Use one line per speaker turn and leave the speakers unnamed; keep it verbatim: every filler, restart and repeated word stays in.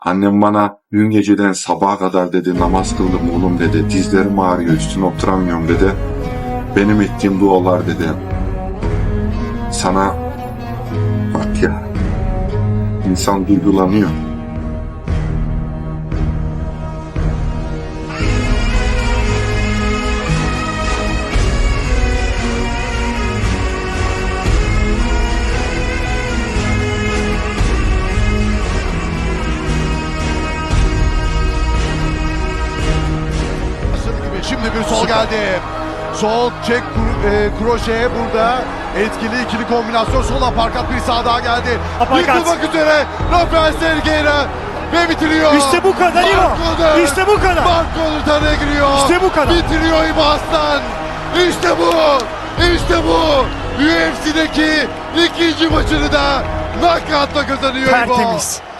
Annem bana dün geceden sabaha kadar dedi namaz kıldım oğlum dedi. Dizlerim ağrıyor üstüne oturamıyorum dedi. Benim ettiğim dualar dedi. Sana bak ya, insan duygulanıyor.
Şimdi bir sol geldi. Sol çek e, kroşe burada. Etkili ikili kombinasyon. Sol aparkat bir sağ daha geldi.
Aparkat.
Yıkılmak üzere. Rafael Sergueira ve bitiriyor.
İşte bu kadar İbo.
Marco'dur.
İşte bu kadar.
Marco'dur taneye giriyor.
İşte bu kadar.
Bitiriyor İbo Aslan. İşte bu. İşte bu. U F C'deki ikinci maçını da knockout'la kazanıyor İbo.
Tertemiz.